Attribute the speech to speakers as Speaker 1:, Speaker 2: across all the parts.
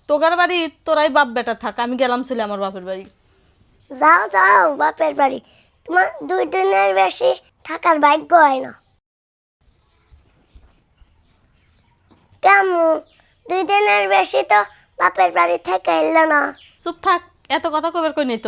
Speaker 1: তোগার বাড়ি তোরাই বাপ বেটা থাক, আমি গেলাম ছেলে আমার বাপের বাড়ি।
Speaker 2: যাও যাও বাপের বাড়ি, তোমার 2 দিনের বেশি থাকার ভাগ্য হয় না। কেমন 2 দিনের বেশি তো বাপের বাড়ি থেকে এলো না?
Speaker 1: চুপ থাক, এত কথা কবের কই নেই তো।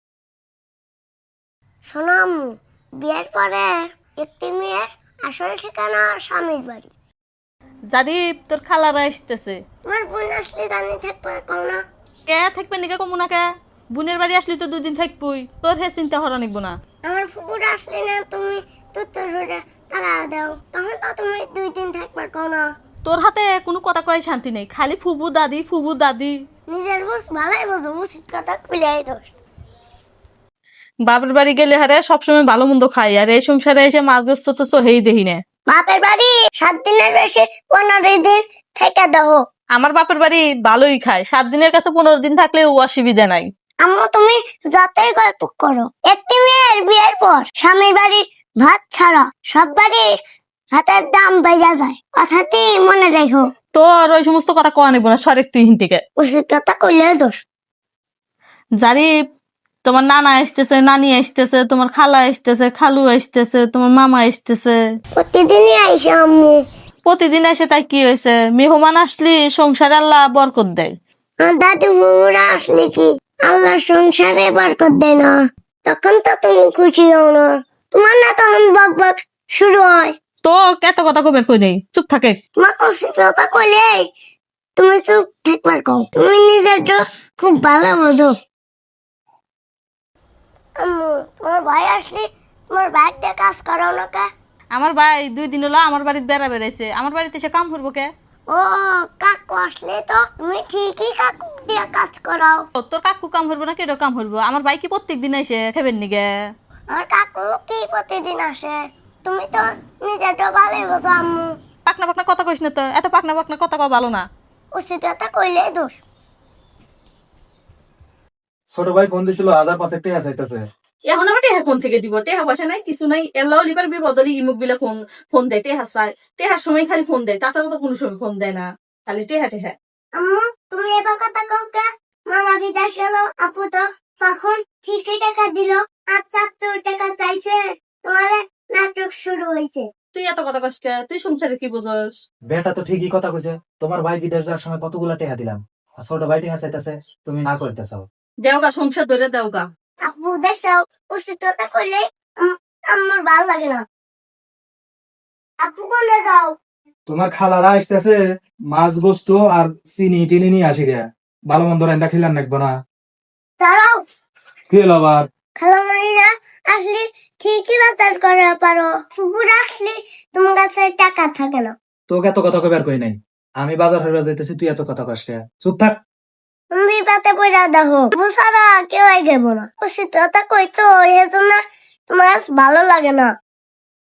Speaker 2: শোনো আম্মু, বিয়ের পরে একটি মেয়ের আসল ঠিকানা স্বামীর বাড়ি।
Speaker 1: জানি তোর খালারা আসতেছে।
Speaker 2: তোমার বোন আসলে জানি থাকবে কও না?
Speaker 1: কে থাকবে নিকে কমু না কে? বোনের বাড়ি আসলি তো 2 দিন থাকবই, তোর হে চিন্তা হরা নিকবো না।
Speaker 2: আমার ফুপুর আসলে না তুমি তুত্তর করে তারা দাও, তখন তো তুমি 2 দিন থাকবার কও না?
Speaker 1: তোর হাতে কোনো কথা কয় শান্তি নেই, খালি ফুবু দাদি ফুবু দাদি।
Speaker 2: নিজের বুঝ ভালোই বোঝো, উচিত কথা খুলে দোষ।
Speaker 1: বাপের বাড়ি গেলে হারে সবসময় ভালো মন্দ খাই, আর এই সংসারে এসে মাছ গোস্ত তো সোহেই দেহি না।
Speaker 2: বাপের বাড়ি 7 দিনের বেশি 15 দিন থেকে দাও।
Speaker 1: আমার বাপের বাড়ি ভালোই খায়, 7 দিনের কাছে 15 দিন থাকলে ও অসুবিধা নাই।
Speaker 2: আম্মু তুমি যতই গল্প করো, একটি মেয়ের বিয়ের পর স্বামীর বাড়ির ভাত ছাড়া সব বাড়ির ভাতের দাম বেড়ে যায়, কথাটি মনে রেখো।
Speaker 1: তোর ওই সমস্ত কথা কওয়া নিব না, সরেক তুই হিন থেকে।
Speaker 2: উচিত কথা কইলে দোষ।
Speaker 1: জানি তোমার নানা আসতেছে, নানি আসতেছে, তোমার খালা আসতেছে, খালু আসতেছে, তোমার মামা আসতেছে।
Speaker 2: প্রতিদিনই আইসে আম্মু।
Speaker 1: প্রতিদিন এসে তাই কি হয়েছে? মেহমান আসলি সংসারে আল্লাহ বরকত দেয়।
Speaker 2: আর দাদু মুরা আসলে কি আল্লাহ সংসারে বরকত দেয় না? তখন তো তুমি খুশি হও না, তোমার না তখন বক বক শুরু হয়।
Speaker 1: তো এত কথা কবের কই নেই, চুপ থাকে।
Speaker 2: তোমার উচিত কথা কইলে তুমি চুপ থাকবার কও, তুমি নিজের খুব ভালো বোঝো। আম্মু তোমার ভাই আসলে তোমার ভাইকে কাজ করাও না কে?
Speaker 1: আমার ভাই 2 দিন হলো আমার বাড়িতে বেড়া বেড়াইছে, আমার বাড়িতে এসে কাম করবো কে?
Speaker 2: ও কাকু আসলে তো তুমি ঠিকই কাকু দিয়ে কাজ করাও।
Speaker 1: তোর কাকু কাম করবো না কেডো কাম করবো? আমার ভাই কি প্রত্যেক দিন এসে খেবেন নিগে?
Speaker 2: আর কাকু কি প্রতিদিন আসে? তুমি তো নিজেরটা ভালোই বোঝো আম্মু।
Speaker 1: পাকনা পাকনা কথা কইস না তো, এত পাকনা পাকনা কথা কওয়া ভালো না।
Speaker 2: উচিত কথা কইলে দোষ।
Speaker 3: ছোট ভাই ফোন দিছিল, 1500 টাকা চাইতেছে।
Speaker 1: এখন আবার টেহা কোন থেকে দিব? টেহা পয়সা নাই, কিছু নাই। এল্লাও লিবার বিপদলি ইমুক বিলে ফোন ফোন দেয়, টেহা চায়। টেহার সময় খালি ফোন দেয়, তাছাড়া তো কোনো সময় ফোন দেয় না, খালি টেহা টেহা।
Speaker 2: আম্মু তুমি এবার কথা কও কে? মামা বিদেশ গেল, আপু তো তখন ঠিকই টাকা দিল, আর 400 টাকা চাইছে, তোমার নাটক শুরু হয়েছে।
Speaker 1: তুই এত কথা কস কে? তুই সংসারে কি বুঝস?
Speaker 3: বেটা তো ঠিকই কথা কইছে, তোমার ভাই বিদেশ যাওয়ার সময় কতগুলা টাকা দিলাম, আর ছোট ভাই টাকা চাইতেছে, তুমি না করতেছাও।
Speaker 1: দেওগা সংসার ধরে দেওগা।
Speaker 2: আপু দেখছো, উচিত কথা কইলে আমার ভালো লাগে না। আপু কোনে যাও?
Speaker 3: তোমার খালারা আসতেছে, মাছ গোস্ত আর চিনি টিনি নিয়ে আসি গে, ভালো মন্দ রান্না খেলাম নাকবো না।
Speaker 2: দাঁড়াও,
Speaker 3: কি হলো আবার?
Speaker 2: খালামারিরা আসলে ঠিকই বাজার করে পারো, ফুপুর আসলে তোমার কাছে টাকা থাকে না।
Speaker 3: তোকে এত কথা কইবার কই নাই, আমি বাজার হইবা যাইতেছি, তুই এত কথা কস কে? চুপ থাক।
Speaker 2: তুমি পাতে পয়সা দেখো, বুঝারা কেউ গেব না। উচিত কথা কই তো, এই জন্য তোমার কাছে ভালো লাগে না।